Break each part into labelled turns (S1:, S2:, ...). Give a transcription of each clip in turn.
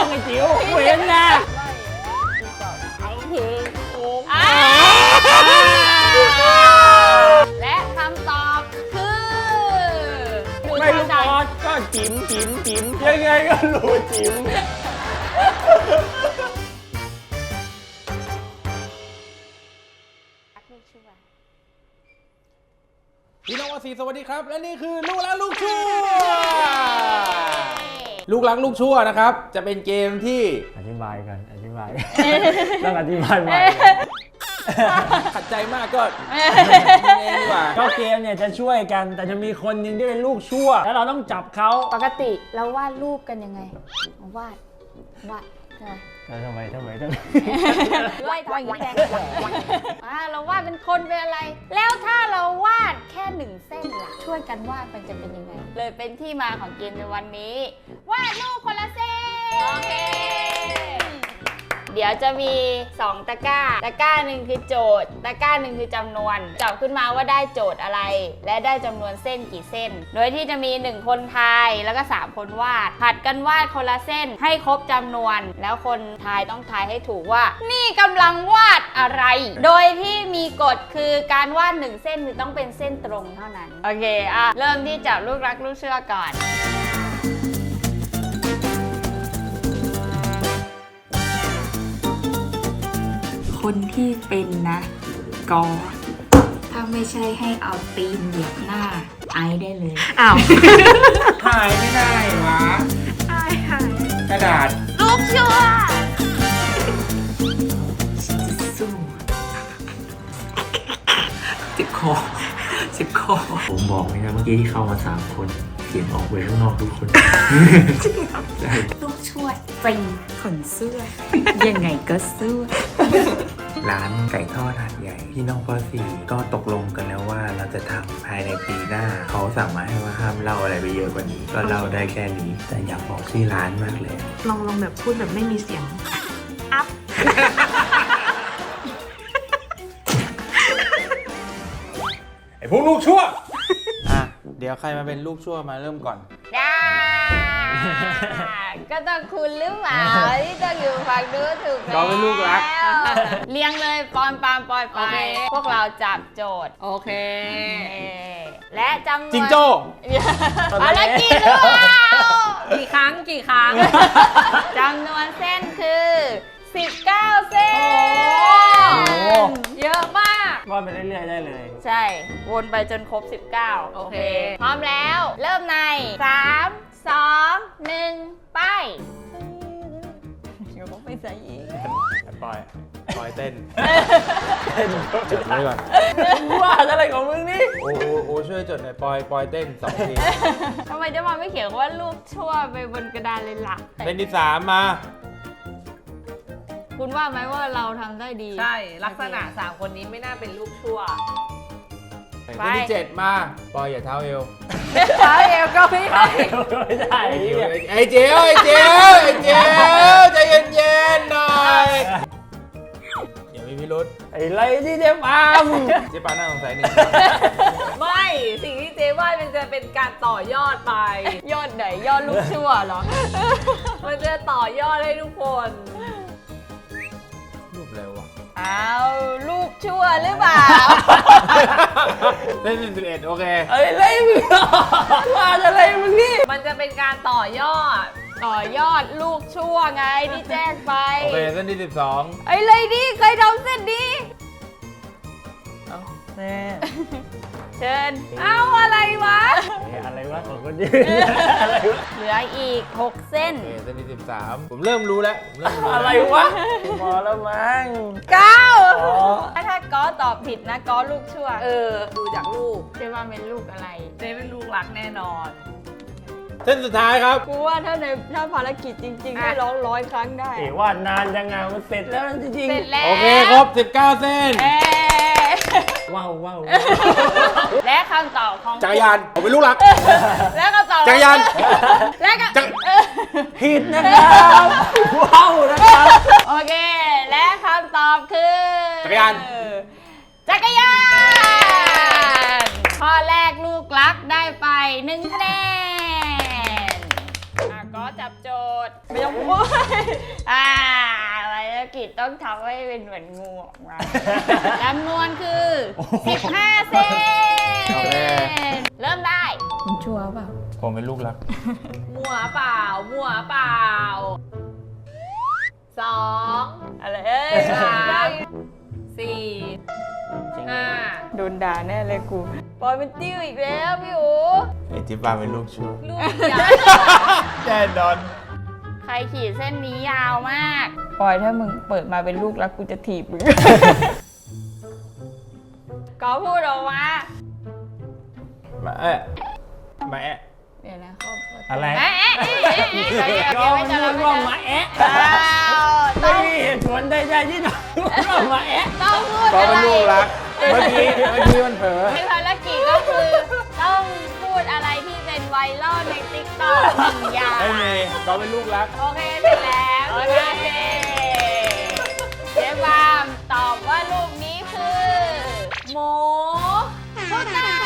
S1: ไอ้จิ๋วเว้นนะเอาเพิ่งโอ้
S2: และคำตอบคือ
S1: ไม่ลูกออสก็จิ๋มยังไงก็รู้จิ๋มพี่น้องวาสีสวัสดีครับและนี่คือลูกรักลูกชั่วลูกรักลูกชั่วนะครับจะเป็นเกมที่อธิบายต้องอธิบายใหม่ขัดใจมากก็เองดีกว่าก็เกมเนี่ยจะช่วยกันแต่จะมีคนหนึ่งที่เป็นลูกชั่วแล้วเราต้องจับเขา
S2: ปกติเราวาดรูปกันยังไงวาดทำไม
S1: ไ
S2: ล่ทำอย่างนี้แดงเราวาดเป็นคนเป็นอะไรแล้วถ้าเราวาดแค่1เส้นล่ะช่วยกันวาดมันจะเป็นยังไงเลยเป็นที่มาของเกมในวันนี้วาดรูปคนละเส้นโอเคเดี๋ยวจะมี2ตะกร้าหนึ่งคือโจทย์ตะกร้าหนึ่งคือจำนวนจับขึ้นมาว่าได้โจทย์อะไรและได้จำนวนเส้นกี่เส้นโดยที่จะมี1คนทายแล้วก็3คนวาดผัดกันวาดคนละเส้นให้ครบจำนวนแล้วคนทายต้องทายให้ถูกว่านี่กำลังวาดอะไรโดยที่มีกฎคือการวาด1เส้นคือต้องเป็นเส้นตรงเท่านั้นโอเคเริ่มที่จับลูกรักลูกเชื่อก่อนคนที่เป็นนะกอถ้าไม่ใช่ให้เอาตีนเหยียบหน้าไอได้เลยอ้าว
S1: หายไม่ได้วะ
S2: หาย
S1: กระดาษ
S2: ลูกชั่ว
S3: สู้ติดคอผมบอกเลยนะเมื่อกี้ที่เข้ามา3คนเสียงออกไปข้างนอกทุกคน
S2: ลูกชั่วจริงขนเสื้อยังไงก็สู้
S3: ร้านไก่ทอดหาดใหญ่พี่น้องป.4 ก็ตกลงกันแล้วว่าเราจะทำภายในปีหน้าเขาสั่งมาให้ว่าห้ามเล่าอะไรไปเยอะกว่านี้ก็เล่าได้แค่นี้แต่อยากบอกชื่อร้านมากเลย
S4: ลองแบบพูดแบบไม่มีเสียงอัพ
S1: ไอ้พวกลูกชั่วเดี๋ยวใครมาเป็นลูกชั่วมาเริ่มก่อน
S2: ได้ก็ต้องคุณหรือเปล่าที่ต้องอยู่ฝั่งนู้นถูกไหม
S1: เราเป็นลูกรัก
S2: เลี้ยงเลยปอนปามปอยไปพวกเราจับโจทย์
S4: โอเค
S2: และจำนวน
S1: จิงโจ้
S2: อะไรกี่หรือเปล่า
S4: กี่ครั้ง
S2: จำนวนเส้นคือ19เส้นเยอะมาก
S1: ว่าไปเรื่อยๆได้เลย
S2: ใช่วนไปจนครบ19โอเคพร้อมแล้วเริ่มใน3 2 1ไปเดี๋ยวต้องไปใส่อีก
S1: ปอยเต้นจดไว้ก่อนว่าอะไรของมึงนี่โอ้ช่วยจดหน่อยปอยเต้น2 ที
S2: ทำไมจะมาไม่เขียนว่าลูกชั่วไปบนกระดานเลยล่ะ
S1: เป็นที่3มา
S2: คุณว่าไหมว่าเราทำได้ดี
S4: ใช่ลักษณะ3คนนี้ไม่น่าเป็นลูกชั่ว
S1: เป็นที่7มาปอยอย่าเท้าเอว
S4: ก็ไม่ได้
S1: ไอ้เจียวใจเย็นๆหน่อยอย่ามีพิรุธไอ้ไรที่เจ๊ปามน่าสงสัยหนึ่ง
S4: ไม่สิ่งที่เจ๊ว่ามันจะเป็นการต่อยอดไป
S2: ยอดไหนยอดลูกชั่วเหรอ
S4: มันจะต่อยอดให้ทุกคน
S1: รูปเร็วอ่ะ
S2: เอาลูกชั่วหรือเปล่า
S1: เล่น11โอเคอะไรมึงว่าอะไรมึงนี่
S4: มันจะเป็นการต่อยอด
S2: ลูกชั่วไงที่แจ้งไป
S1: โอเคเส้นที่12
S2: อะไรดิใครทำเส้นดี
S1: แม่
S2: เชิญเอาอะไรวะ
S1: ของคนนี้
S2: เหลืออีก6เส้น
S1: เส้นที่13ผมเริ่มรู้แล้ว
S4: อะไรวะ
S1: พอแล้วมั้ง
S2: 9ถ้าก้อตอบผิดนะก้อลูกชั่ว
S4: ดูจากลูก
S2: เจ๊ว่าเป็นลูกอะไร
S4: เจ๊เป็นลูกรักแน่นอน
S1: เส้นสุดท้ายครับ
S2: กูว่าถ้าภารกิจจริงๆให้ร้อง100 ครั้งได้
S1: ว่านานยังไงมันเสร็จแล้วจริง
S2: ๆเสร็จแล้ว
S1: โอเคครบ19เส้นว้าว
S2: และคำตอบของ
S1: จักรยานผมเป็นลูกรัก
S2: และคำตอบ
S1: จักรยาน
S2: และก็
S1: ผิดนะครับว้าวนะครับ
S2: โอเคและคำตอบคือ
S1: จักรยาน
S2: ข้อแรกลูกรักได้ไป1 คะแนนก็จับโจทย์ไม่ต้องพูดภารกิจต้องทำให้เป็นเหมือนงูออกมาจำนวนคือ15 เส้นเริ่มได้คุณชัวร์เปล่า
S1: ผมเป็นลูกรัก
S4: มัวเปล่า มัวเปล่า 2
S2: อะไร
S4: 3 4 5
S2: โดนด่าแน่เลยกูปอยเป็นติ้วอีกแล้วพี่อู๋
S1: ไอ้ที่ป้าเป็นลูกชั่ว
S4: ลูกใหญ่
S1: แน่นอน
S2: ใครขีดเส้นนี้ยาวมากปอยถ้ามึงเปิดมาเป็นลูกแล้วกูจะถีบมึง ก็พูดออกมา
S1: มามาแอะ
S2: เดี๋ยวนะเขา
S1: อะไร
S2: เอ๊ะ
S1: ก็มันพูดว่ามาแอะ
S2: ต้
S1: ไม่
S2: อง
S1: มีเหตุผลใดๆที่ต้องพูดว่ามาแอะ
S2: ต้องพูด
S1: ก็
S2: อะไร
S1: เป็นลูกรัก เมื่อกี้มันเผลอ
S2: ในภารกิจก็คือต้องพูดอะไรที่เป็นไวรัลในติ๊กต็อกหนึ่งอย่าง
S1: ไม่มีก็เป็นลูกรัก
S2: โอเคเสร็จแล้วโอเคเจ๊บามตอบว่ารูปนี้คือหมูพุทธา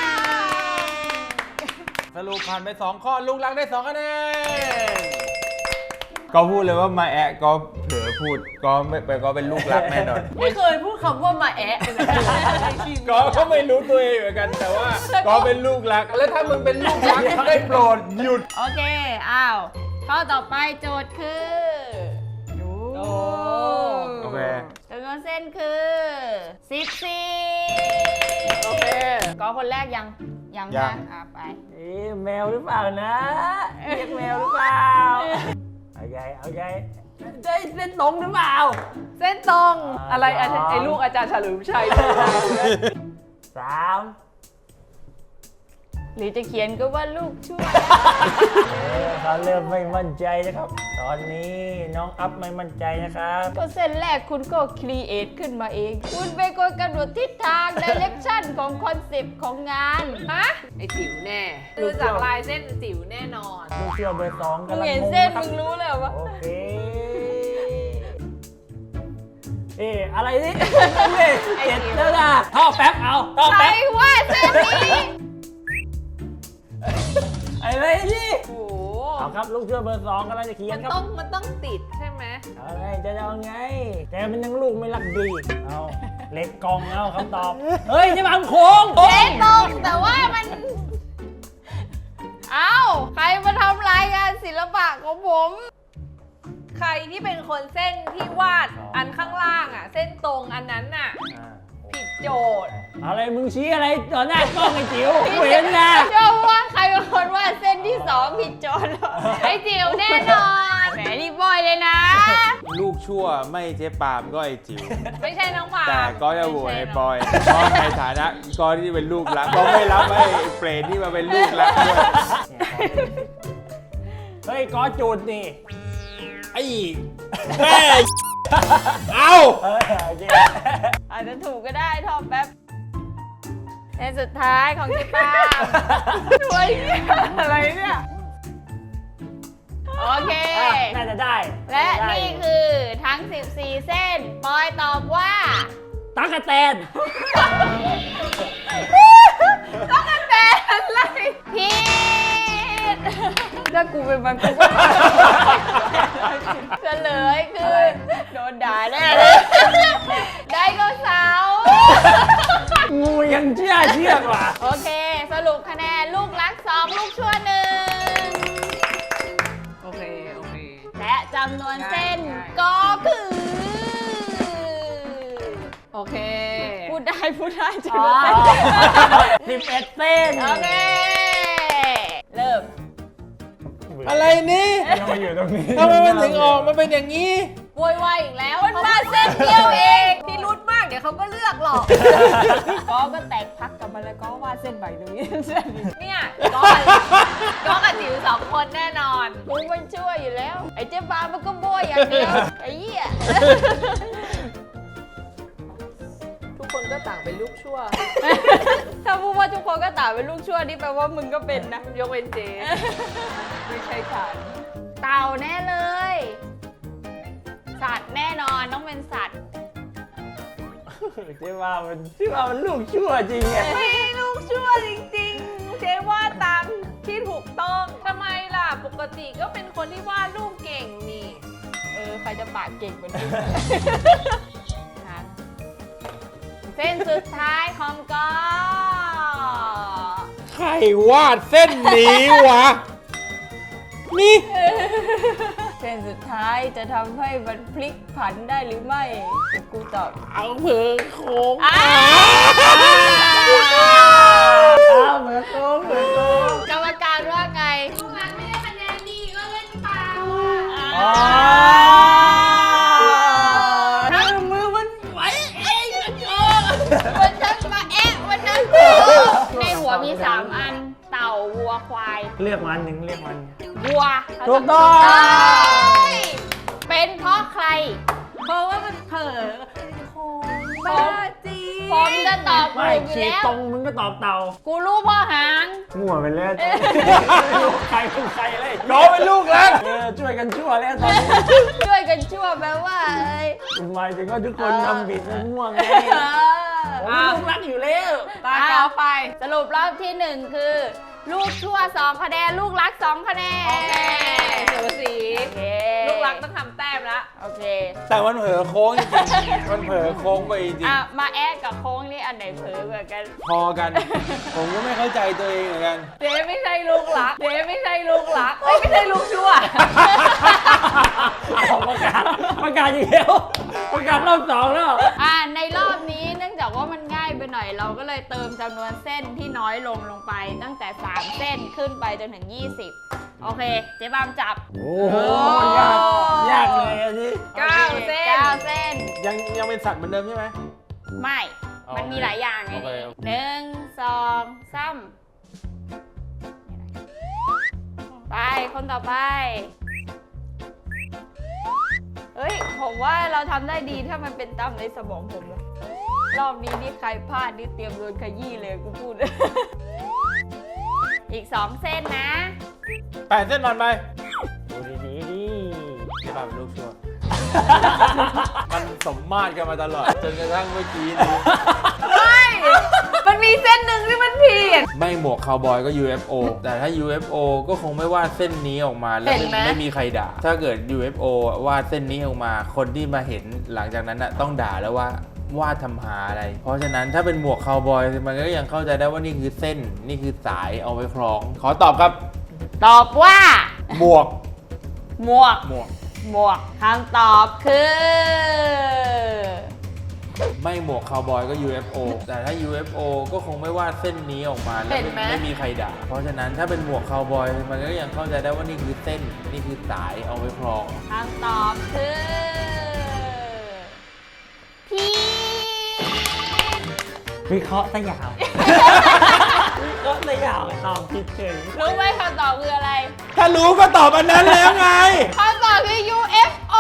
S1: สรุปผ่านไป2ข้อลูกรักได้2คะแนนก็พูดเลยว่ามาแอะก็เผลอพูดก็ไม่ไปก็เป็นลูกรักแน่นอน
S4: ไม่เคยพูดคำว่ามาแอะเลยนะในชีวิต
S1: ก็ไม่รู้ตัวเองเหมือนกันแต่ว่าก็เป็นลูกรัก แล้วถ้ามึงเป็นลูกรักได้โปรดหยุด
S2: โอเคอ้าวข้อต่อไปโจทย์คือดู
S1: โอเค
S2: จำนวนเส้นคือ14
S4: โอเค
S2: ก็คนแรกยัง
S1: ยัง
S2: นะไป
S1: แมวหรือเปล่านะเรียกแมวหรือเปล่าเอาใหญ่ได้เส้นตรงหรือเปล่า
S4: เส้นตรงอะไรไอ้ลูกอาจารย์เฉลิมชัย
S1: 3
S2: หรือจะเขียนก็ว่าลูกช่วย
S1: เขาเริ่มไม่มั่นใจนะครับ ตอนนี้น้องอัพไม่มั่นใจนะครับ
S2: ก็เส้นแรกคุณก็ครีเอทขึ้นมาเอง คุณเป็นคนกำหนดทิศทางดิเรกชันของคอนเซปต์ของงาน
S4: ฮะไอ้จิ๋วแน่ดูจากลายเส้นจิ๋วแน่นอน
S1: ลูกเชื่อเบอร์2
S2: มึ
S1: กำ
S2: ง
S1: ลัง
S2: เห็น
S1: งง
S2: เส้น
S1: ครั
S2: มึ
S1: บ
S2: งรู้เลยว่า
S1: โอเคอะไรนี่เจ็ดแล้วนะท่อแป๊บเอาท่อ
S2: ใคร
S1: แป๊บ
S2: ว่าเส้นนี้
S1: อะไรนี่
S4: โอ้โห
S1: เอาครับลูกเชื่อเบอร์2กำลังจะเขีย
S4: มัน น
S1: ครับ
S4: ต้องติดใช่ไหม
S1: เอาไงจะเอาไงแต่มันยังลูกไม่รักดีเอาเล็กกองเอาคำตอบเฮ้ยนี่มันโค้ง
S2: เจ๊ตรงแต่ว่ามัน เอ้า ใครมาทำรายงานศิลปะของผม
S4: ใครที่เป็นคนเส้นที่วาดอันข้างล่างอ่ะ เส้นตรงอันนั้นน่ะ ผิดโจทย์
S1: อะไรมึงชี้อะไรต่อหน้ากล้องไอ้จิ๋วกูเห็นนะ
S2: เชื่อว่าใครเป็นคนว่าเส้นที่2ผิดโจทย์ไอ้จิ๋วแน่นอนแหมนี่บอยเลยนะ
S1: ลูกชั่วไม่เจ๊ปามก็ไอ้จิ๋ว
S4: ไม่ใช่น้องหมา
S1: แต่ก็จะโหวตไอ้บอยเพราะในฐานะก็ที่เป็นลูกรักก็ไม่รับไอ้เปรตที่มาเป็นลูกรักด้วยเฮ้ยก็จุดนี่ไอ้แม่เอา
S2: อาจจะถูกก็ได้ทอมแป๊บเส้นสุดท้ายของจิป้าช่วยอะไรเนี่ย โอเค
S1: น่าจะได้
S2: และนี่คือทั้ง 14 เส้น ปอยตอบว่า
S1: ตั๊กแตน
S2: แต่อะไรผิดถ้ากูเป็นมันกูก็เฉลยคือโดนด่าแน่เลยไดโนเสาร์
S1: งูยังเชื่อกว่า
S2: โอเค สรุปคะแนนลูกรัก 2 ลูกชั่ว 1
S4: โอเค
S2: และจำนวนเส้น
S4: ง่าย
S2: ก็คือ
S4: โอเค
S2: พูดได้จำ
S1: อ๋
S2: น
S1: อ
S2: วนเส้น
S1: 11 เส้น
S2: โอเค เริ่ม
S1: อะไรนี่ทำไมอยู่ตรงนี้ทำไมมันถึงออกมาเป็นอย่างนี้
S4: โวยวายอีกแล้ว
S2: มันมาเส้นเดียวเอง
S4: พี่รุดมากเดี๋ยวเขาก็เลือกหรอก
S2: ก็แตกพักกลับมาแล้วก็วาดเส้นใหม่ตรงนี้เส้นนี้
S4: เนี่ยก็กับจิ๋ว2 คนแน่นอน
S2: กูไม่ช่วยอยู่แล้ว ไอ้เจ๊บ้ามันก็โบยอย่างเดียว ไอ้เหี้ย
S4: ทุกคนก็ต่างเป็นลูกชั่ว
S2: ถ้าพูดว่าทุกคนก็ต่างเป็นลูกชั่วนี่แปลว่ามึงก็เป็นนะ
S4: ยกเว้นเจไม่ใช่ฉัน
S2: เต่าแน่เลย สัตว์แน่นอนต้องเป็นสัตว์
S1: เจ๊ว่ามันลูกชั่วจริงไง
S4: ไม่ลูกชั่วจริงๆ เจ๊ว่าตามที่ถูกต้องทำไมล่ะปกติก็เป็นคนที่วาดรูปเก่งนี่
S2: ใครจะปากเก่งกว่านี้ เส้นสุดท้ายของก็
S1: ใครวาดเส้นนี้วะ นี่
S2: เส้นสุดท้ายจะทำให้มันพลิกผันได้หรือไม่กูตอบ
S1: เอาเผือโค้ง
S2: อ้าว
S1: เหมือนโค้งเหมือนโค้ง
S2: กรรมการว่าไง
S4: ลูกนั้นไม่ได้คะแนนดีก็เล่นเปล่า
S1: ถ้ามือมันไหวเองนะโจ้
S2: วันนั้นมาวันนั้นในหัวมี 3 อัน เต่าวัวควาย
S1: เรียกมันหนึ่งเรียกมัน
S2: วัว
S1: ถูกต้อง
S2: ใช่เป็นเพราะใคร
S4: เพราะว่ามันเผลอโค้งบ้าจี
S2: ผมจะตอบ
S1: ไม่
S2: ถูกอยู่
S1: ฉีก
S2: แล้ว
S1: ตรงมึงก็ตอบเต่า
S2: กูรู้เพ่อหาง
S1: มั่วไปแล้วใครเป็นใครเลยน้องเป็นลูกแล้วช่วยกันชั่วแล้วตอนนี้
S2: ช่วยกันชั่วแปลว่าอะไร
S1: หมายถึงว่าทุกคนทำผิดมันม่วงไงผมลูกรักอยู่แล้ว
S4: ตาเกาไป
S2: สรุปรอบที่ 1 คือ ลูกชั่ว 2 คะแนน ลูกรัก 2 คะแนน
S4: โอเคสูสี
S2: โอเค
S4: ลูกรักต้องทำแต้มละ
S2: โอเค
S1: แต่มันเผลอโค้งจริงๆมันเผลอโค้งไปจริง
S2: มาแอะกับโค้งนี่อันไหนเผลอเหมือนกัน
S1: พอกัน ผมก็ไม่เข้าใจตัวเองเหมือนกัน
S4: เจ๊ไม่ใช่ลูกรัก เจ๊ไม่ใช่ลูกรักไม่ใช่ลูกชั่ว
S1: เอาประกาศอีกแล้วประกาศรอบสองแล้ว
S2: ในรอบนี้เนื่องจากว่ามันง่ายไปหน่อยเราก็เลยเติมจำนวนเส้นที่น้อยลงไปตั้งแต่ 3 เส้นขึ้นไปจนถึง 20 โอเค เจ๊บามจับ
S1: โอ้โหยากเลยอันนี้
S4: 9 เส้น
S2: 9 เส้น
S1: ยังเป็นสัตว์เหมือนเดิมใช่ไหม
S2: ไม่
S1: อ๋อ
S2: มันมีหลายอย่างไง
S1: โอเค
S2: 1 2 3ไป คนต่อไป เฮ้ย ผมว่าเราทำได้ดีถ้ามันเป็นตามในสมองผมนะรอบนี้นี่ใครพลาดนี่เตรียมโดนขยี้เลยกูพูด อีก 2 เส้นนะ
S1: 8 เส้นนอนไปดูดีดิจะแบบลูกชัว มันสมมาตรกันมาตลอด จนกระทั่งเมื่อกี้นี้
S4: มันมีเส้นหนึ่งที่มันผิด
S1: ไม่หมวกคาวบอยก็ UFO แต่ถ้า UFO ก็คงไม่วาดเส้นนี้ออกมาแล้ว
S4: เห็นไหม
S1: ไม่มีใครด่า ถ้าเกิด UFO วาดเส้นนี้ออกมา คนที่มาเห็นหลังจากนั้นน่ะต้องด่าแล้วว่าวาดทำหาอะไร เพราะฉะนั้นถ้าเป็นหมวกคาวบอยมันก็ยังเข้าใจได้ว่านี่คือเส้นนี่คือสายเอาไว้คล้อง ขอตอบครับ
S2: ตอบว่า
S1: หมวก
S2: หมวก
S1: หมวก
S2: หมวกคำตอบคือ
S1: ไม่หมวกคาวบอยก็ UFO แต่ถ้า UFO ก็คงไม่วาดเส้นนี้ออกมาแล้ว
S4: เห็นไหม
S1: ไม่มีใครด่า เพราะฉะนั้นถ้าเป็นหมวกคาวบอยมันก็ยังเข้าใจได้ว่านี่คือเส้นนี่คือสายเอาไว้คล้อง
S2: คำตอบคือพี่
S1: วิเคราะห์ซะยาว วิเคราะห์ซะยาวตอบผิดเฉย
S2: รู้ไหมคำตอบคืออะไร
S1: ถ้ารู้ก็ตอบอันนั้นแล้วไง
S2: คำตอบคือ UFO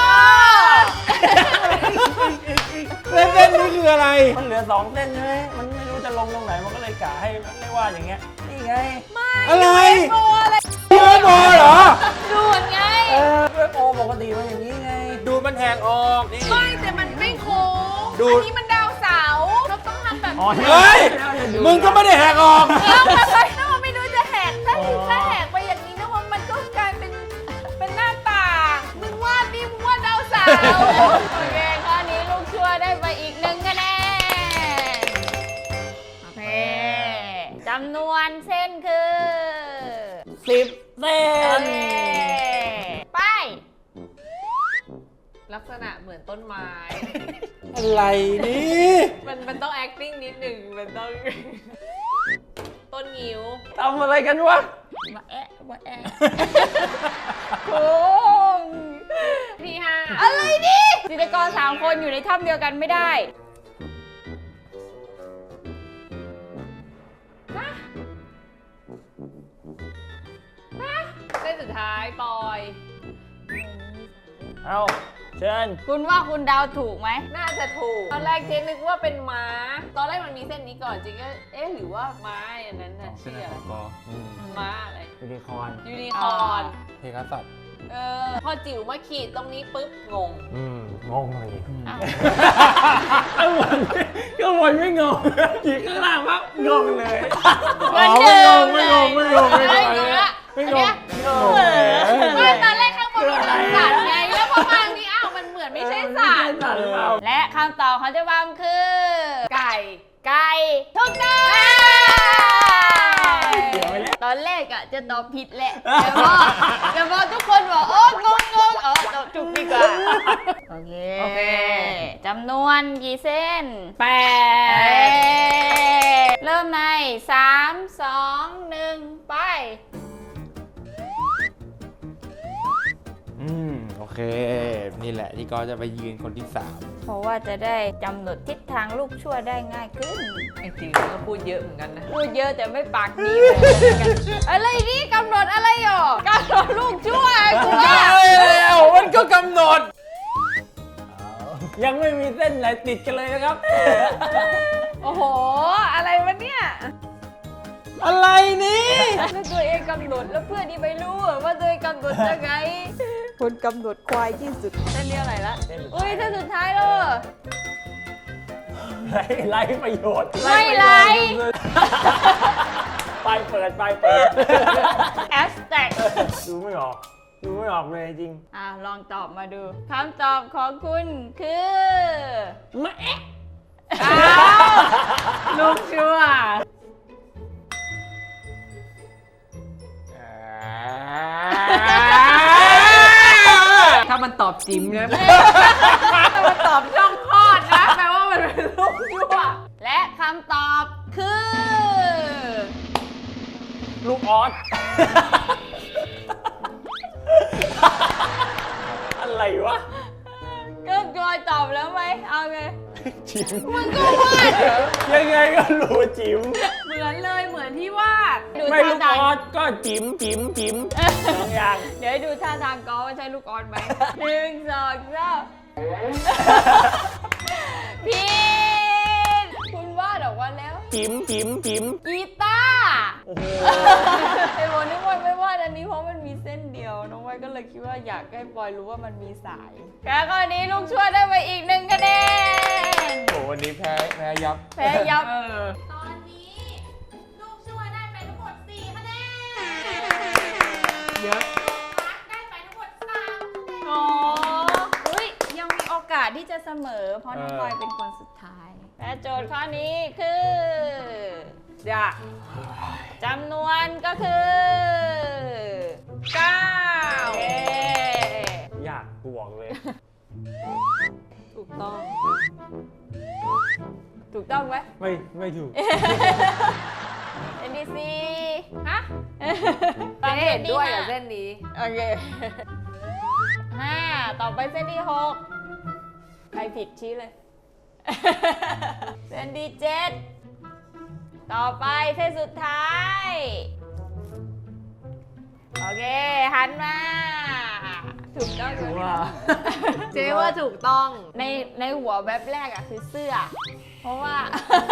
S1: แล้วเส้นนี้คืออะไร
S5: มันเหลือ2 เส้นใช่ไหมมันไม่รู้จะลงตรงไหน มันก็เลยกะให้มันเรียกว่าอย่างเงี้ย นี่ไง
S1: อะไร
S4: โอ้อะไร
S1: UFO เหรอ
S2: ดูดไง
S5: โอปกติมันอย่างนี้ไง
S1: ดูมันแหกออกนี่
S4: ไม่แต่มันไม่โค้ง
S1: ดู
S4: อันนี้มันดาวเสาร์เราต้องทำแบบ
S5: อ๋อ
S1: เฮ้ย มึงก็ไม่ได้แหกออก
S4: แล้วอะไรถ้ามันไม่รู้จะแหกถ้าแหกไปอย่างนี้นะว่ามันก็กลายเป็นหน้าต่างมึงวาดนี่มึงวาดดาวเสาร์
S2: โอเค ข้อนี้ลูกชั่วได้ไปอีก1 คะแนน โอเค จำนวนเส้นคือ
S5: 10 เส้
S2: โอน เค ไป
S4: ลักษณะเหมือนต้นไม้
S1: อะไรนี่
S4: มันต้อง acting นิดหนึ่งมันต้อง ต้นงิ้ว
S5: ทำอะไรกันวะ
S2: มาแอะ
S4: โค้งที่ห้า
S2: อะไรนี่จิตรกร3 คนอยู่ในถ้ำเดียวกันไม่ได้
S4: เส้นสุดท้ายปอย
S5: เอาเชิญ
S2: คุณว่าคุณเดาวถูกไหม
S4: น่าจะถูก ตอนแรกเจ๊นึกว่าเป็นม้า ตอนแรกมันมีเส้นนี้ก่อนเจ๊ก็เอ๊ะหรือว่าม้าอันนั้นน่ะชื่ออะไรม้าอะไร
S5: ยูนิคอร์น
S4: ยูนิคอร์น
S1: เพกัสสัตว์
S4: พอจิ๋วมาขีดตรงนี้ปุ๊บงง
S5: งงเลย
S2: อ้าว
S5: ข้างบนไม่งงขีดข้างล่างปั๊บงงเลย
S2: เหมือนเดิม
S5: ไม่งง
S2: ไม่งงละ
S5: ไม่
S2: อัน
S5: ง
S2: เนี้
S5: ง
S2: ย
S4: ไม่ตอนแรกข้างบนมันเป็นสัตว์ไงแล้วพอมาที่อ้าวมันเหมือนไม่ใช่สัตว์
S2: และคำตอบของเจ๊บามคือ
S4: ไก่
S2: ไก่ถูกต้อง
S5: เดี๋ยวไปแล้ว
S2: ตอนแรกอะจะตอบผิดแหละแต่พอทุกคนบอกโอ้งงตอบถูกดีกว่าโอเคจำนวนกี่เส้น
S4: แปด
S2: เริ่มใน 3 2 1 ไป
S1: โอเค นี่แหละที่ก็จะไปยืนคนที่
S2: เพราะว่าจะได้กำหนดทิศทางลูกชั่วได้ง่ายขึ้น
S4: จริงๆก็พูดเยอะเหมือนกันนะ
S2: พูดเยอะแต่ไม่ปากดีเหมือนกันอะไรนี่กำหนดอะไรหรอกำหนดลูกชั่วกู
S1: 3
S2: ว่า
S1: แล้วมันก็กำหนด
S5: ยังไม่มีเส้นไหนติดกันเลยนะครับ
S4: โอ้โห อะไรวะเนี่ย
S1: อะไรนี่
S2: แล้วตัวเองกำหนดแล้วเพื่อนนี่ไม่รู้ว่าตัวเองกำหนดยังไงคนกำหนดควายที่สุดเส้นนี้อะไรละอุ้ยเส้นสุดท้ายเลย
S5: ไล่ประโยชน์
S2: ไม่ไล่
S5: ไปเปิดไปเปิด
S2: แอสแท็ก
S5: ดูไม่ออกเลยจริง
S2: ลองตอบมาดูคำตอบของคุณคือ
S5: มะเอ๊ะ
S2: อ้าวลูกชั่ว
S4: ถ้ามันตอบจิ๋มนะถ้ามันตอบช่องคลอดนะแปลว่ามันเป็นลูกยั่ว
S2: และคำตอบคือ
S5: ลูกออส อะไรวะ
S2: ก็จอยตอบแล้วไหมเอาไง
S5: จิ๋ม
S2: มึงก็วาด
S5: ยังไงก็รู้จิ๋ม
S4: เหมือนเลยเหมือนที่วาด
S2: ดู
S5: ไม่
S2: ท่า
S5: ลูก
S2: ทาง
S5: ออสก็จิ๋มสองอย่าง
S2: เดี๋ยวให้ดูท่าทางกอว่าใช่ลูกออนไหม 1 2 3ผิดคุณวาดออกมาแล้ว
S5: จิ๋ม
S2: กีตาร์
S5: โอ้โห
S2: ไอ้บอลนึกว่าไม่วาดอันนี้เพราะมันมีเส้นเดียวน้องไว้ก็เลยคิดว่าอยากให้ปอยรู้ว่ามันมีสายแล้วข้อนี้ลูกช่วยได้ไปอีก1 คะแนน
S1: โอ้วันนี้แพ้ยับ
S2: แพ้ยับ
S6: ตอนนี้ลูกช่วยได้ไปทั้งหมด 4 คะแนน
S4: เยอะ
S6: รักได้ไปทั้งหมด 3 คะแนน
S2: โอ้อุ้ยยังมีโอกาสที่จะเสมอ เพราะน้องปอยเป็นคนสุดท้าย และโจทย์ข้อนี้คือ
S4: อยาก
S2: จำนวนก็คือ
S4: เก้า
S2: เย้
S5: อยากบวกเลย
S4: ถูกต้อง
S2: ถูกต้องไหม
S5: ไม่ถูก
S2: NDC
S4: ฮะ
S2: ตาม
S4: เจ๊เห็นด้วยกับ
S2: 5
S4: เส้นนี้
S2: โอเค 5 ต่อไปเส้นที่ 6 ใครผิดชี้เลย เส้นที่ 7 ต่อไปเส้นสุดท้าย โอเค หันมา ถูกต้องเลย
S5: ว่า
S4: เจ๊ว่าถูกต้อง
S2: ในหัวแบบแรกอะคือเสื้อ เพราะว่า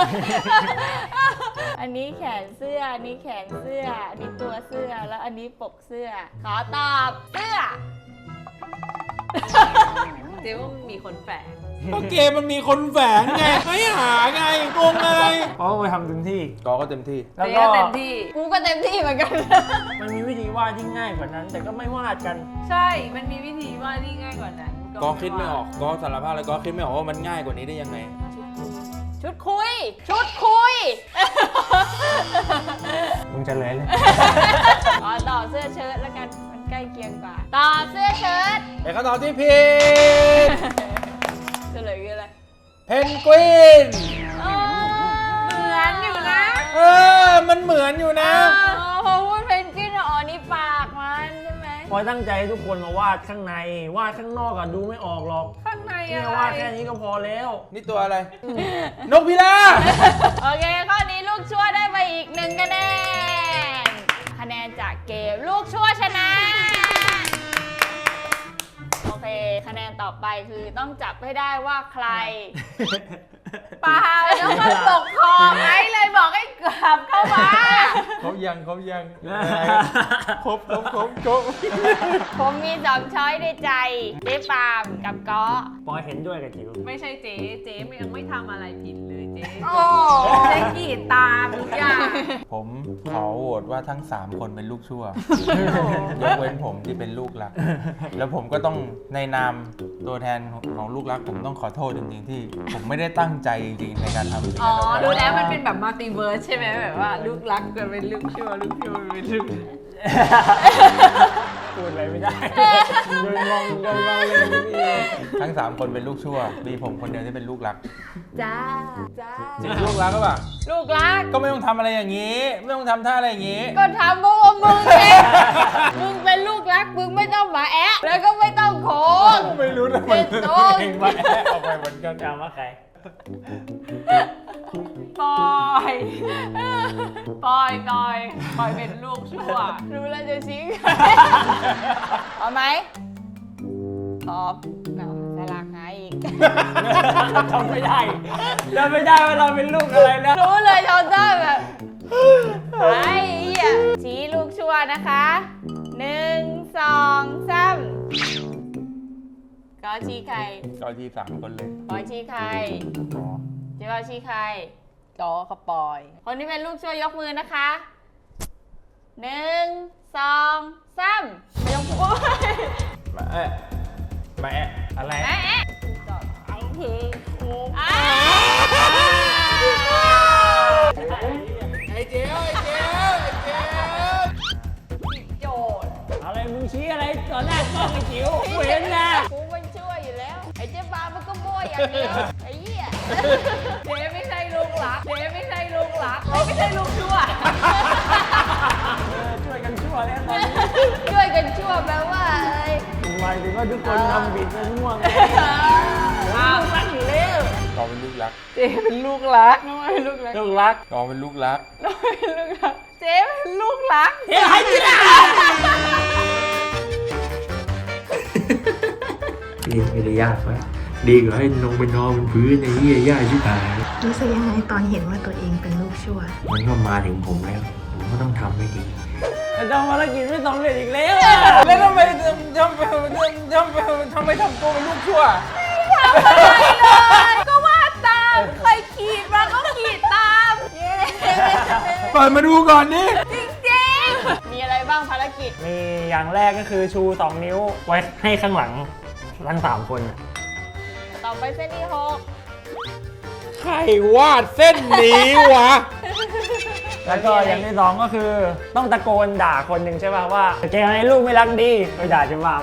S2: อันนี้แขนเสื้อ อันนี้แขนเสื้อ อันนี้ตัวเสื้อ แล้วอันนี้ปกเสื้อ ขอตอบเสื้อ
S4: เจ๊ว่ามีคนแฝง
S1: ก็เกมมันมีคนแฝงไง ไม่หาไงงงไง
S5: เขาไปทำเต็มที่
S1: ก็เต็มที่
S5: แล้ว
S4: เจ๊
S5: ก็
S4: ก็เต็มที่
S2: กูก็เต็มที่เหมือนกัน
S5: มันมีวิธีวาดที่ง่ายกว่านั้น แต่ก็ไม่วาดกัน
S4: ใช่ มันมีวิธีวาดที่ง่ายกว่านั้น
S1: ก็คิดไม่ออกก็สารภาพเลยก็คิดไม่ออกว่ามันง่ายกว่านี้ได้ยังไง
S2: ชุดคุย ชุดคุย
S5: มึงจะเลยเลย
S2: ขอต่อเสื้อเชิ้ตแล้วกัน มันใกล้เคียงกว่า ต่อเสื้อเชิ้ต
S1: แต่คำตอบที่ผิด
S2: เฉลยคืออะไร
S1: เพนกวิน
S2: เหมือนอยู่นะ
S1: มันเหมือนอยู่นะ
S2: พอพูดเพนกวินอ๋อนี่ปากมันใช่ไหม
S5: พอยตั้งใจให้ทุกคนมาวาดข้างใน วาดข้างนอกอะดูไม่ออกหรอก
S4: ข้างใน
S5: เนี่
S4: อะ
S5: ย
S4: ไร
S5: วาดแค่นี้ก็พอแล้ว
S1: นี่ตัวอะไร นกพิราบ
S2: โอเค ข้อนี้ลูกชั่วได้ไปอีก1 คะแนน คะแนนจากเกมลูกชั่วชนะ โอเค คะแนนต่อไปคือต้องจับให้ได้ว่าใคร
S4: เปล่าแล้วมันตกคอไงเลยบอกให้กลับเข้ามา
S1: ครบยังครบ
S2: ผมมี2ช้อยในใจเจ๊ปาล์มกับก๊อ
S5: ปอยเห็นด้วยกับจิ๋ว
S4: ไม่ใช่เจ๊ยังไม่ทำอะไรผิดเลยเจ๊
S2: โอ้
S4: เจ๊กรีดตามทุกอย่าง
S1: ผมขอโหวตว่าทั้ง 3 คนเป็นลูกชั่ว ยกเว้นผมที่เป็นลูกรัก แล้วผมก็ต้องในนามตัวแทนของลูกรักผมต้องขอโทษจริงๆที่ผมไม่ได้ตั้งใจจริงๆในการทำสิ่ง
S4: อ๋อ
S1: นั้นออกมา
S4: ดูแล้วมันเป็นแบบมัลติเวิร์สใช่ไหมแบบว่าลูกรักกันเป็นลูกชั่วลูกชั่วเป็นลูก
S5: พูดอะไรไม่ได้โดนมองเลยพี่
S1: ทั้ง 3 คนเป็นลูกชั่ว มีผมคนเดียวที่เป็นลูกรัก
S2: จ้า
S1: จริงลูกรักก็ปล่ะ
S2: ลูกรัก
S1: ก็ไม่ต้องทำอะไรอย่างนี้ ไม่ต้องทำท่าอะไรอย่างนี้
S2: ก็ทำเพราะว่ามึงเองมึงเป็นลูกรักมึงไม่ต้องมาแอะแล้วก็ไม่ต้องโค้ง
S1: ไม่รู้นะมัน
S2: เป็นโต๊ะ
S1: เองมาแอบออกไปเหมือนกัน
S5: จำว่าใคร
S4: ปอยเป็นลูกชั่ว
S2: รู้แล้วจะชี้เอาไหมตอบเอาสลักหาอีก
S5: จำไม่ได้ว่าเราเป็นลูกอะไรนะ
S2: รู้เลยชอนเตอร์แบบไอ้เหี้ยชี้ลูกชั่วนะคะ1 2 3ก็ชี้ใคร
S1: ก็ที่3 คนเลย
S2: ปอยชี้ใคร
S1: อ๋อ
S2: เจ๊ว่าชี้ใคร
S4: จอเขาปอย
S2: คนที่เป็นลูกชั่วยกมือนะคะ1 2 3ไม่ต้องพูด
S1: มาแอะมาแอะอะไร
S2: แอะแอะไอ้ทีอ่า
S1: ไอ้เจ้า
S4: โจทย์
S5: อะไรมึงชี้อะไรต่อหน้ากล้องไอ้จิ๋วกูเห็นนะ
S2: กูมันชั่วอยู่แล้ว ไอ้เจ๊บามันก็มั่วอย่างเดียวไอ้เหี้ย
S4: เจ๊ไม่ใช่ลูกรักไม่ใช่ลูกชั่ว
S5: ช่วยกันชั่วแล้วตอนนี้
S2: ช่วยกันชั่วแปลว่าอะไร
S5: หมายถึงว่าทุกคนทำผิดกันม่วงไง
S4: อ้าวรักอยู่แล้ว
S1: ก็เป็นลูกรัก
S4: เจ๊เป็นลูกรัก
S2: น้องเป็นลูกรัก
S5: ลูกรัก
S1: ก็เป็นลูกรัก
S4: เจ๊เป็นลูกรัก
S5: เฮ้ยไอ้จิ๋ว
S3: ไม่ได้ยากวะดีกว่าให้ลงไปนอนบนพื้นในที่ยากชิบหาย
S7: รู้สึกยังไงตอนเห็นว่าตัวเองเป็นลูกชั่ว
S3: มันก็มาถึงผมแล้ว ผมก็ต้องทำให้ดี
S5: จะทำภารกิจไม่สำเร็จอีกแล้ว
S1: แล้วทำไมทำตัวเป็นลูกชั่ว
S4: ก็ว่าตามใครขีดมาก็ขีดตามเย้
S1: เปิดมาดูก่อนนี่
S4: จริง
S2: มีอะไรบ้างภารกิจ
S5: มีอย่างแรกก็คือชู 2 นิ้วไว้ให้ข้างหลังทั้ง3 คนน่ะ
S2: ต่อไปเส้นที่
S1: ใครวาดเส้นนี้วะ
S5: แล้วก็อย่างที่ 2 ก็คือต้องตะโกนด่าคนหนึ่งใช่ป่ะว่าแกไอ้ลูกไม่รักดีไปด่าเจะมาม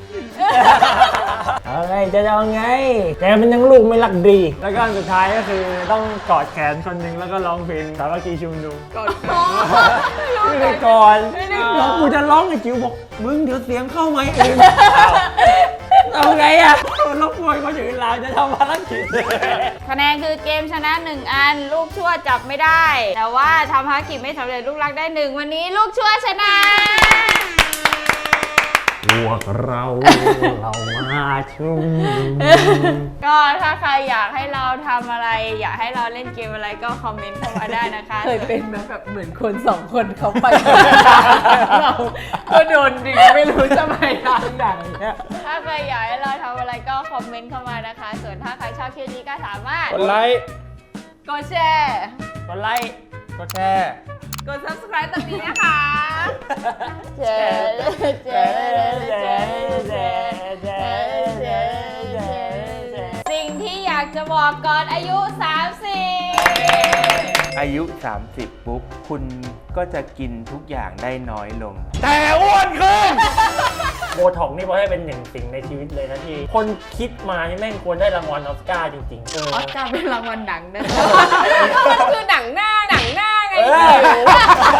S5: เอาไงจะเอาไงแกเป็นยังลูกไม่รักดี แล้วก็อันสุดท้ายก็คือต้องกอดแขนคนหนึ่งแล้วก็ร้องเพลงสามัคคีชุมนุม
S4: ๆก่อน
S5: ไม่ได้ก่อนแล้วกูจะร้องไอ้จิ๋วบอกมึงเดี๋ยวเสียงเข้าไหมเองเอาไงอะรบกวนคนอื่นเราจะทำภารกิจ
S2: คะแนนคือเกมชนะ1 อัน ลูกชั่วจับไม่ได้ แต่ว่าทำภารกิจไม่สำเร็จลูกรักได้1วันนี้ลูกชั่วชนะ
S5: พวกเรามาชุมนุม
S2: ก็ถ้าใครอยากให้เราทำอะไร อยากให้เราเล่นเกมอะไรก็คอมเมนต์เข้ามาได้นะคะ
S4: เคยเป็นไหมแบบเหมือนคน2 คนเขาไปเราก็โดนดึงไม่รู้จะไปทางไหนเนี่ย
S2: ถ้าใครอยากให้เราทำอะไรก็คอมเมนต์เข้ามานะคะ ส่วนถ้าใครชอบคลิปนี้ก็สามารถ
S1: กดไลค์
S4: กดแชร์
S5: กดไลค์
S1: กดแชร์
S4: กด subscribe ตรงนี้นะคะ
S2: เจ๊เจ๊สิ่งที่อยากจะบอกก่อนอายุ 30
S3: อายุ 30 ปุ๊บ คุณก็จะกินทุกอย่างได้น้อยลง
S1: แต่อ้วนขึ้น
S5: โบท็อกนี่พอให้เป็นหนึ่งสิ่งในชีวิตเลยนะที่คนคิดมานี่แม่งควรได้รางวัลออสการ์จริงๆ
S2: ออสการ์เป็นรางวัลหนังนะ
S4: มันคือหนังหน้าไง
S5: เออ